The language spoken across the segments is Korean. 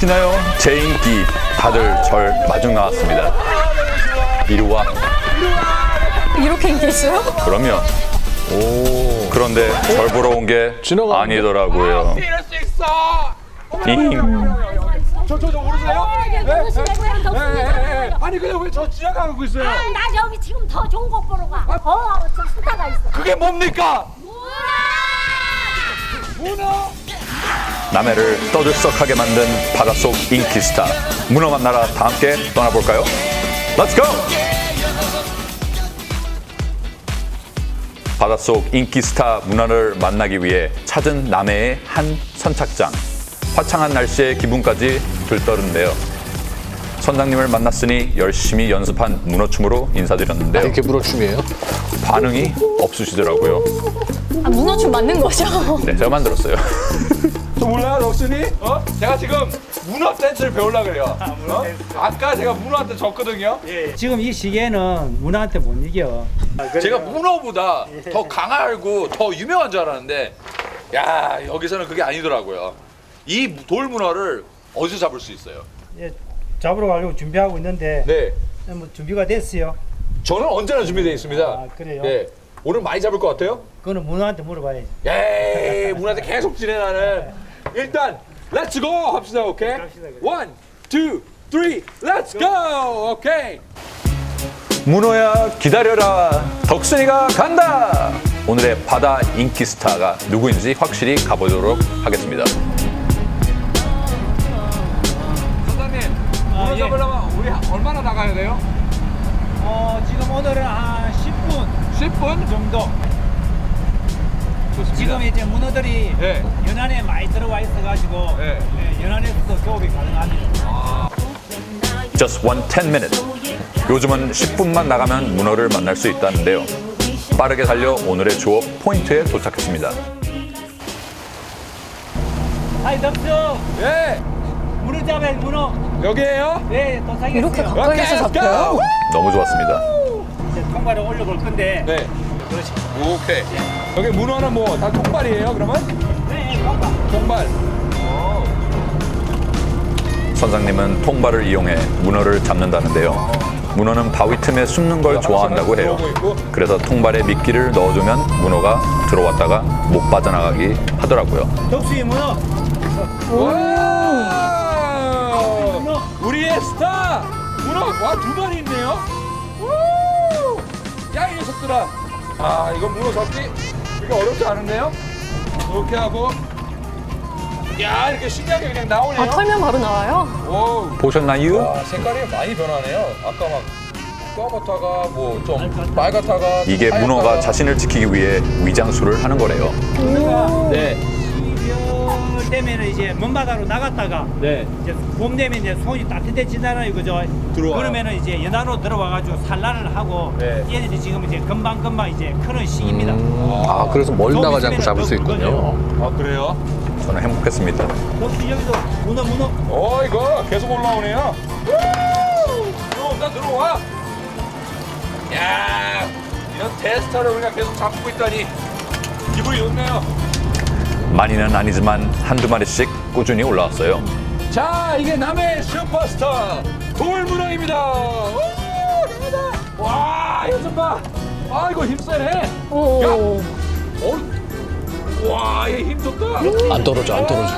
보시나요? 제 인기 다들 절 마중 나왔습니다. 이리 와. 이렇게 인기 있어요? 그럼요. 오. 그런데 절 보러 온 게 지나가는 아니더라고요. 이럴 수 있어. 잉. 저 모르세요? 네. 아니 근데 왜 저 지나가고 있어요? 나 여기 지금 더 좋은 거 보러 가. 저 수다가 있어. 그게 뭡니까? 문어. 남해를 떠들썩하게 만든 바닷속 인기 스타 문어 만나러 다 함께 떠나볼까요? Let's go! 바닷속 인기 스타 문어를 만나기 위해 찾은 남해의 한 선착장. 화창한 날씨에 기분까지 들떠는데요. 선장님을 만났으니 열심히 연습한 문어춤으로 인사드렸는데요. 이렇게 문어춤이에요? 반응이 없으시더라고요. 아, 문어춤 맞는 거죠? 네, 제가 만들었어요. 저 몰라요, 럭순이? 제가 지금 문어 댄스를 배우려고 그래요. 아까 제가 문어한테 졌거든요. 지금 이 시기에는 문어한테 못 이겨. 제가 문어보다 더 강하고 더 유명한 줄 알았는데, 야 여기서는 그게 아니더라고요. 이 돌문어를 어디서 잡을 수 있어요? 예, 잡으러 가려고 준비하고 있는데 네, 뭐 준비가 됐어요. 저는 언제나 준비되어 있습니다. 아, 그래요? 네, 오늘 많이 잡을 것 같아요? 그거는 문어한테 물어봐야지. 예, 문어한테 계속 진행하는. 일단 렛츠 고 합시다, 오케이? 갑시다, 그래. 원, 투, 쓰리, 렛츠 고, 오케이. 문어야 기다려라, 덕순이가 간다. 오늘의 바다 인기 스타가 누구인지 확실히 가보도록 하겠습니다. 선장님, 문어 예. 잡으려면 우리 얼마나 나가야 돼요? 지금 오늘은 한 10분 10분? 정도. 좋습니다. 지금 이제 문어들이 네. 연안에 많이 들어와 있어가지고 네. 연안에서도 교업이 가능합니다. Just 10 minute. 요즘은 10분만 나가면 문어를 만날 수 있다는데요. 빠르게 달려 오늘의 조업 포인트에 도착했습니다. 하이 덕수, 네, 문어 잡아요 문어. 여기에요? 네, 도착했어요. 이렇게 가까이서 오케이, let's 잡혀요? go. 너무 좋았습니다. 이제 통발을 올려볼 건데. 네, 그렇지. 오케이. 여기 문어는 뭐 다 통발이에요, 그러면? 네, 통발. 통발. 선장님은 통발을 이용해 문어를 잡는다는데요. 문어는 바위 틈에 숨는 걸 좋아한다고 해요. 그래서 통발에 미끼를 넣어주면 문어가 들어왔다가 못 빠져나가기 하더라고요. 덕수의 문어. 와! 우리의 스타! 문어! 와, 두 마리 있네요? 우! 야, 이 녀석들아! 아, 이거 문어 잡기 이거 어렵지 않은데요? 이렇게 하고, 야, 이렇게 신기하게 그냥 나오네요. 아, 털면 바로 나와요? 오, 보셨나요? 와, 색깔이 많이 변하네요. 아까 막 까맣다가 뭐 좀 빨갛다가 이게 문어가 자신을 지키기 위해 위장술을 하는 거래요. 네, 12월 되면은 이제 먼바다로 나갔다가 네. 이제 봄 되면 이제 손이 따뜻해지잖아요, 그죠? 들어와요. 그러면은 이제 연안으로 들어와가지고 산란을 하고 네. 얘네들이 지금 이제 금방 이제 크는 시기입니다. 아, 그래서 멀리 좀 나가지 않고 있으면은 잡을 수 또 있군요. 아, 그래요? 저는 행복했습니다. 혹시 여기도 문어 이거 계속 올라오네요. 들어와. 야, 이런 테스터를 우리가 계속 잡고 있다니 기분이 좋네요. 많이는 아니지만 한두 마리씩 꾸준히 올라왔어요. 자, 이게 남해 슈퍼스타 돌문어입니다. 오, 나가다. 와, 이거 좀 봐. 아, 이거 힘세네. 오. 야, 와, 얘 힘 좋다. 안 떨어져, 안 떨어져.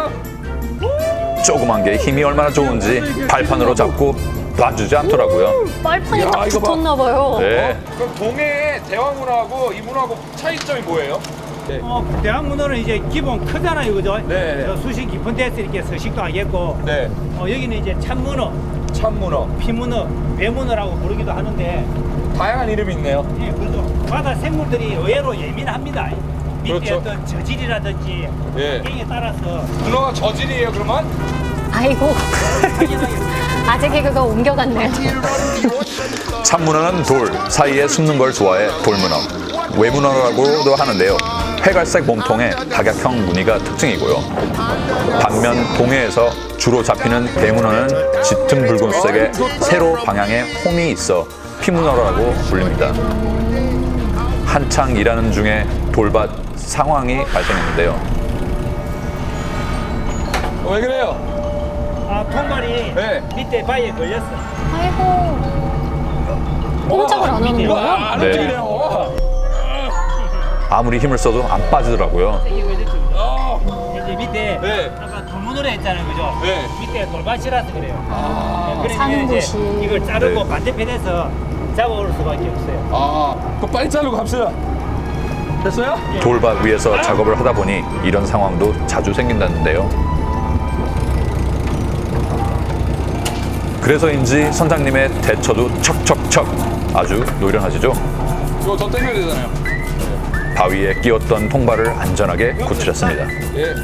조그만 게 힘이 얼마나 좋은지 발판으로 잡고 놔주지 않더라고요. 빨판이 야, 딱 이거 봐. 붙었나 봐요. 네. 그럼 동해의 대왕문어하고 이 문어하고 차이점이 뭐예요? 대왕 문어는 이제 기본 크잖아요, 그죠? 네. 저 수심 깊은 데서 이렇게 서식도 하겠고 네, 여기는 이제 참문어, 참문어. 피문어, 외문어라고 부르기도 하는데 다양한 이름이 있네요. 예, 그래서 바다 생물들이 의외로 예민합니다. 밑에 그렇죠. 어떤 저질이라든지 예. 환경에 따라서 문어가 저질이에요, 그러면? 아이고. 아재 개그가 옮겨갔네요. 참문어는 돌 사이에 숨는 걸 좋아해 돌문어. 외문어라고도 하는데요. 회갈색 몸통에 다각형 무늬가 특징이고요. 반면 동해에서 주로 잡히는 대문어는 짙은 붉은색의 세로 방향에 홈이 있어 피문어라고 불립니다. 한창 일하는 중에 돌밭 상황이 발생했는데요. 왜 그래요? 통발이 네. 밑에 바위에 걸렸어. 아이고. 꼼짝을 안 하는 거예요? 안 네. 움직이네요. 아무리 힘을 써도 안 빠지더라고요. 이게 걸렸죠. 어. 이제 밑에 네. 아까 돌문으로 했잖아요, 그죠? 네. 밑에 돌밭이라서 그래요. 그러면 사는 이제 곳이. 이걸 자르고 네. 반대편에서 잡아올 수밖에 없어요. 아, 그럼 빨리 자르고 갑시다. 됐어요? 돌밭 위에서 작업을 하다 보니 이런 상황도 자주 생긴다는데요. 그래서인지 선장님의 대처도 척척척 아주 노련하시죠. 이거 더 당겨야 되잖아요. 바위에 끼웠던 통발을 안전하게 구출했습니다. 예.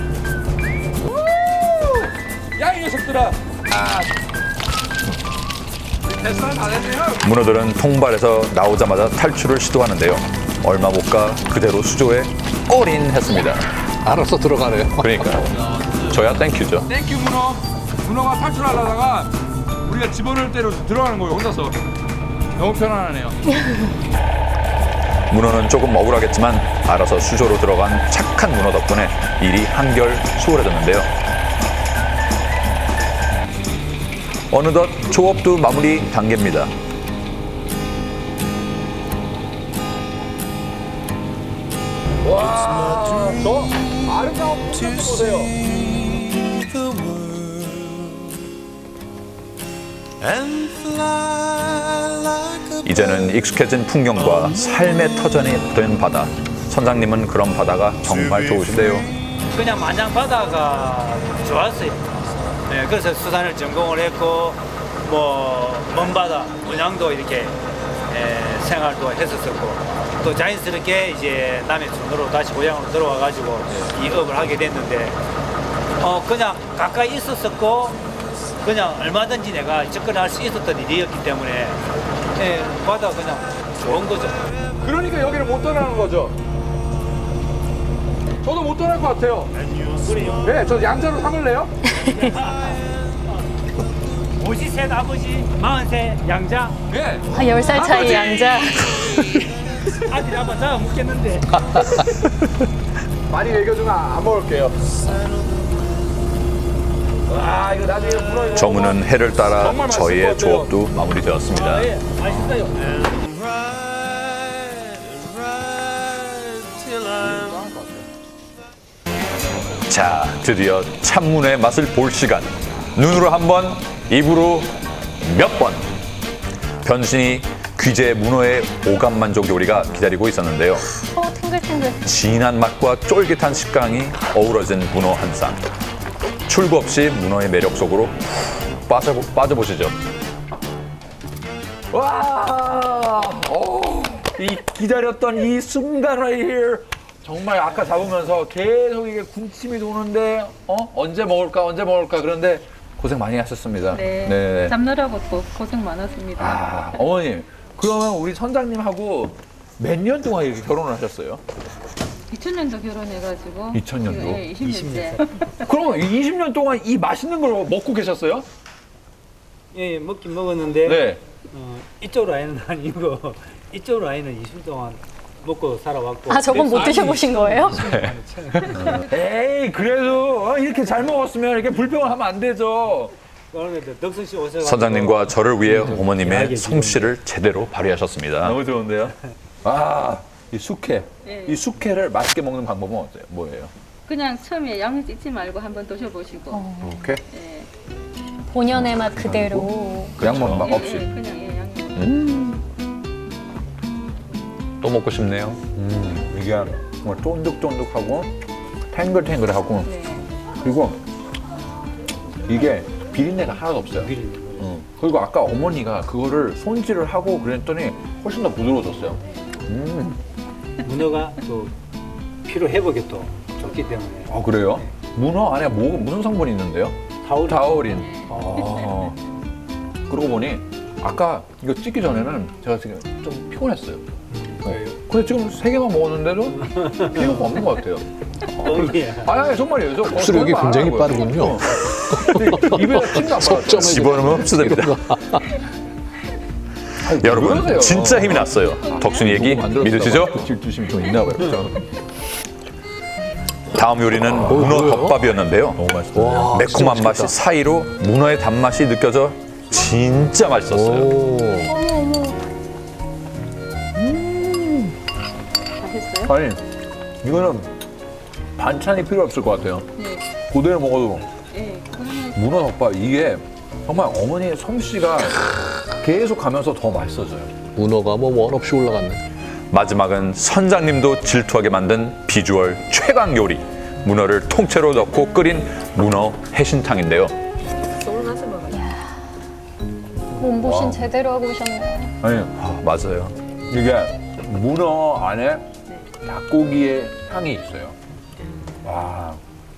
야, 이 녀석들아. 아. 됐어, 다 됐네요. 문어들은 통발에서 나오자마자 탈출을 시도하는데요. 얼마 못 가 그대로 수조에 올인했습니다. 알아서 들어가네요. 그러니까요. 저야 땡큐죠. 땡큐 문어. 문어가 탈출하려다가 우리가 집어넣을 대로 들어가는 거예요, 혼자서. 너무 편안하네요. 문어는 조금 억울하겠지만 알아서 수조로 들어간 착한 문어 덕분에 일이 한결 수월해졌는데요. 어느덧 조업도 마무리 단계입니다. 와, 저 아름다운 풍경 보세요. 이제는 익숙해진 풍경과 삶의 터전이 된 바다. 선장님은 그런 바다가 정말 좋으시대요. 그냥 마냥 바다가 좋았어요. 네, 그래서 수산을 전공을 했고 뭐 먼 바다 문양도 이렇게 생활도 했었었고 또 자연스럽게 이제 남해 순으로 다시 고향으로 들어와 가지고 이 업을 하게 됐는데 그냥 가까이 있었었고 그냥 얼마든지 내가 접근할 수 있었던 일이었기 때문에 바다 그냥 좋은 거죠. 그러니까 여기를 못 떠나는 거죠. 저도 못 떠날 것 같아요. 그래요. 네, 저 양자로 삼을래요? 53 아버지, 43 양자. 네. 10살 차이 양자. 아들이 한번 잡아 먹겠는데. 많이 먹여주면 안 먹을게요. 와, 이거 나중에 문어 이거 저문은 해를 따라 정말 맛있을 것 저희의 같아요. 조업도 마무리되었습니다. 예, 맛있어요. 자, 드디어 참문의 맛을 볼 시간. 눈으로 한 번, 입으로 몇 번. 변신이 귀재 문어의 오감 만족 요리가 기다리고 있었는데요. 탱글탱글. 진한 맛과 쫄깃한 식감이 어우러진 문어 한 쌍. 출구 없이 문어의 매력 속으로 빠져보시죠. 와, 이 기다렸던 이 순간 right here. 정말 아까 잡으면서 계속 이게 군침이 도는데 언제 먹을까 그런데 고생 많이 하셨습니다. 네. 잡느라고 또 고생 많았습니다. 아, 어머님, 그러면 우리 선장님하고 몇 년 동안 이렇게 결혼을 하셨어요? 2000년도 결혼해가지고 2000년도? 예, 20년째. 그럼 20년 동안 이 맛있는 걸 먹고 계셨어요? 예, 먹긴 먹었는데 네. 이쪽 라인은 아니고 이쪽 라인은 20년 동안 먹고 살아왔고. 아, 저건 못 드셔보신 거예요? 에이, 그래도 이렇게 잘 먹었으면 이렇게 불평을 하면 안 되죠. 그런데 덕선 씨 오셔서 선장님과 저를 위해 어머님의 솜씨를 제대로 발휘하셨습니다. 너무 좋은데요? 아, 이 숙회. 예. 이 숙회를 맛있게 먹는 방법은 어때요? 뭐예요? 그냥 처음에 양을 찢지 말고 한번 드셔보시고. 이렇게? 예. 본연의 맛 그대로. 그냥 먹는 맛 예, 없이. 예, 그냥 예, 양. 또 먹고 싶네요. 이게 정말 쫀득쫀득하고 탱글탱글하고 네. 그리고 이게 비린내가 하나도 없어요. 그리고 아까 어머니가 그거를 손질을 하고 그랬더니 훨씬 더 부드러워졌어요. 문어가 또 피로 회복에 또 좋기 때문에 아, 그래요? 문어 안에 무슨 성분이 있는데요? 타우린. 아. 그러고 보니 아까 이거 찍기 전에는 제가 지금 좀 피곤했어요. 근데 지금 3개만 먹었는데도 피로가 없는 것 같아요. 아니, 정말이에요. 저 흡수력이 거짓말 안 굉장히 하는 거예요. 빠르군요. 입에다 침도 안 받았어요. 집어넣으면 흡수됩니다. 여러분, 진짜 힘이 났어요. 덕순이 얘기 믿으시죠? 질투심이 좀 있나 봐요. 다음 요리는 문어 뭐예요? 덮밥이었는데요. 너무 맛있다. 와, 매콤한 진짜 맛이 맛있겠다. 사이로 문어의 단맛이 느껴져 진짜 맛있었어요. 오. 맛있어요? 아니 이거는 반찬이 필요 없을 것 같아요. 네. 그대로 먹어도 네. 그러면 문어 덮밥 이게 정말 어머니의 솜씨가 계속 가면서 더 맛있어져요. 문어가 뭐 원 없이 올라갔네. 마지막은 선장님도 질투하게 만든 비주얼 최강 요리. 문어를 통째로 넣고 끓인 문어 해신탕인데요. 서울 가서 먹어요. 몸보신 제대로 하고 오셨네요. 아니 맞아요. 이게 문어 안에 닭고기의 향이 있어요. 와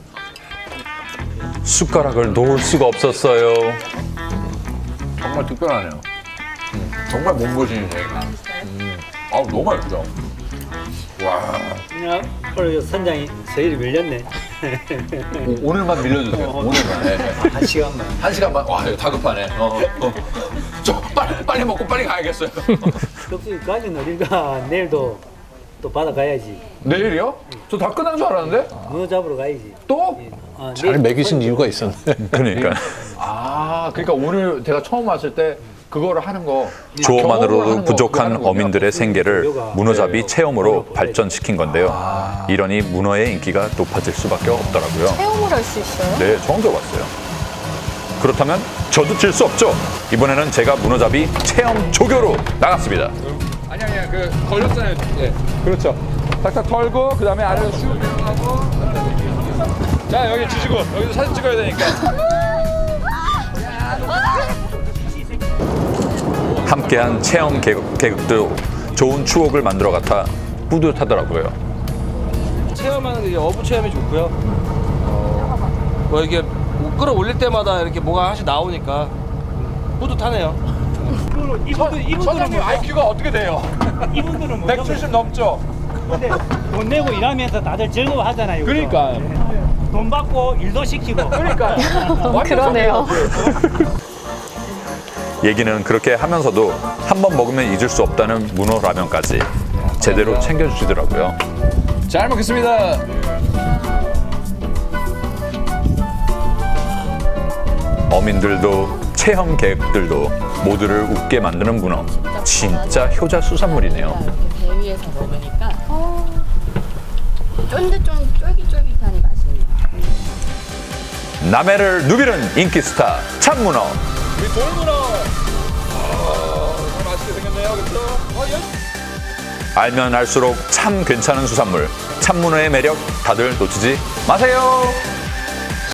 숟가락을 놓을 수가 없었어요. 정말 특별하네요. 정말 몸보신이네요. 아우 너무 맛있죠. 와 오늘 선장이 저희를 밀렸네. 오늘만 밀려주세요. 오늘만. 네. 한 시간만. 한 시간만. 와 이거 다급하네. 저 빨리 먹고 빨리 가야겠어요. 껍질까지 노릴까 내일도 또 바다 가야지. 내일이요? 저 다 끝난 줄 알았는데? 문어 잡으러 가야지. 또? 잘 먹이신 이유가 있었네. 그러니까 아 그러니까 오늘 제가 처음 왔을 때 그거를 하는 거 경험을 조만으로도 하는 거, 부족한 그거 하는 어민들의 생계를 문어잡이 체험으로 네. 발전시킨 건데요. 이러니 문어의 인기가 높아질 수밖에 없더라고요. 체험을 할 수 있어요? 네, 처음 들어봤어요. 그렇다면 저도 질 수 없죠. 이번에는 제가 문어잡이 체험 조교로 나갔습니다. 아니야 그 걸렸잖아요. 예 그렇죠. 탁탁 털고 그 다음에 아래로 슉 내려가고 자 여기 주시고 여기서 사진 찍어야 되니까 함께한 체험 계획도 좋은 추억을 만들어 같아 뿌듯하더라고요. 체험하는 게 어부 체험이 좋고요. 뭐 이게 끌어올릴 때마다 이렇게 뭐가 하나씩 나오니까 뿌듯하네요. 선생님 IQ가 어떻게 돼요? 이분들은 뭐 170 넘죠? 근데 돈 내고 일하면서 다들 즐거워하잖아요. 그러니까 돈 받고 일도 시키고. 그러니까 그러네요. 얘기는 그렇게 하면서도 한 번 먹으면 잊을 수 없다는 문어 라면까지 제대로 챙겨주시더라고요. 잘 먹겠습니다. 어민들도 체험 계획들도 모두를 웃게 만드는 문어. 진짜 효자 수산물이네요. 배 위에서 먹으니까 쫄깃쫄깃하니 맛있네요. 남해를 누비는 인기 스타 참문어. 우리 돌문어. 정말 맛있게 생겼네요. 그렇죠? 알면 알수록 참 괜찮은 수산물. 참문어의 매력 다들 놓치지 마세요.